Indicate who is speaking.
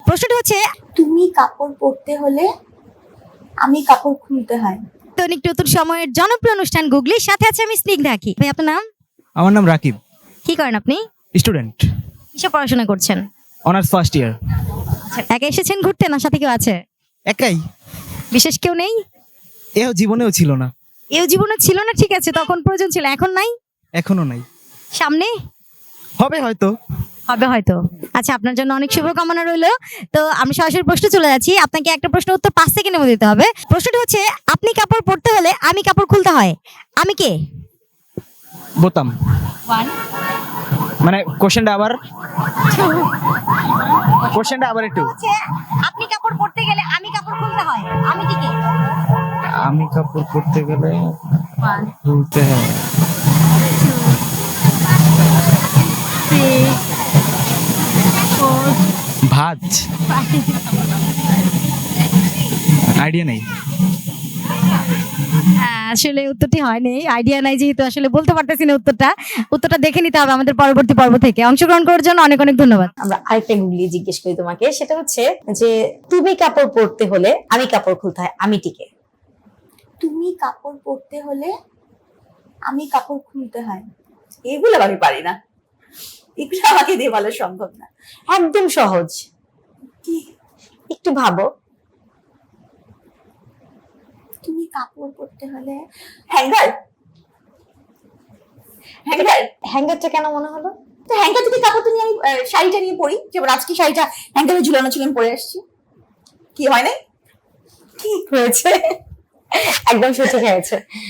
Speaker 1: প্রশ্নটি হচ্ছে
Speaker 2: তুমি কাপড় পরতে হলে আমি কাপড় খুলতে হয়।
Speaker 1: তো একটু নতুন সময়ের জনপ্রিয় অনুষ্ঠান গুগলির সাথে আছে আমি স্নিগ্ধা আঁকি। ভাই আপনার নাম?
Speaker 3: আমার নাম রাকিব,
Speaker 1: কি করেন আপনি?
Speaker 3: স্টুডেন্ট,
Speaker 1: কিসে পড়াশোনা করছেন?
Speaker 3: Honours first year.
Speaker 1: একা এসেছেন ঘুরতে না সাথে কেউ আছে?
Speaker 3: একাই,
Speaker 1: বিশেষ কেউ নেই?
Speaker 3: এও জীবনেও ছিল না,
Speaker 1: এও জীবনে ছিল না, ঠিক আছে, তখন প্রয়োজন ছিল, এখন নাই?
Speaker 3: এখনো নাই,
Speaker 1: সামনে
Speaker 3: হবে হয়তো।
Speaker 1: হবে হয়তো। আচ্ছা, আপনার জন্য অনেক শুভকামনা রইলো। তো আমি সরাসরি প্রশ্ন চলে যাচ্ছি, আপনাকে একটা প্রশ্ন উত্তর 5 সেকেন্ডের মধ্যে দিতে হবে। প্রশ্নটি হচ্ছে আপনি কাপড় পরতে হলে আমি কাপড় খুলতে হয়, আমি কে?
Speaker 3: বোতাম। মানে কোশ্চেনটা আবার একটু।
Speaker 1: হচ্ছে আপনি কাপড় পরতে গেলে আমি কাপড় খুলতে হয়, আমি কি কে?
Speaker 3: আমি কাপড় পরতে গেলে খুলতে হয়। ভাজ, আইডিয়া নেই।
Speaker 1: আসলে উত্তরটি হয়নি, আইডিয়া নাই যেহেতু আসলে বলতে পারতেছি না উত্তরটা দেখে নিতে হবে আমাদের পরবর্তী পর্ব থেকে। অংশগ্রহণ করার জন্য অনেক অনেক ধন্যবাদ।
Speaker 2: আমরা আরেকটা গুগলি জিজ্ঞেস করি তোমাকে, সেটা হচ্ছে যে তুমি কাপড় পরতে হলে আমি কাপড় খুলতে হয়, আমিটিকে। তুমি কাপড় পরতে হলে আমি কাপড় খুলতে হয়, এগুলো আমি পারি না, এগুলো আমাকে দিয়ে বলা সম্ভব না। একদম সহজ, একটু ভাবো। তুমি কাপড় পরতে হলে হ্যাঙ্গার। হ্যাঙ্গারটা কেন মনে হলো? তো হ্যাঙ্গার থেকে কাপড় তো নিয়ে আমি শাড়িটা নিয়ে পরি, যেমন আজকে শাড়িটা হ্যাঙ্গারে ঝুলানো ছিল, আমি পরে আসছি। কি হয় নাই? ঠিক হয়েছে, একদম সঠিক হয়েছে।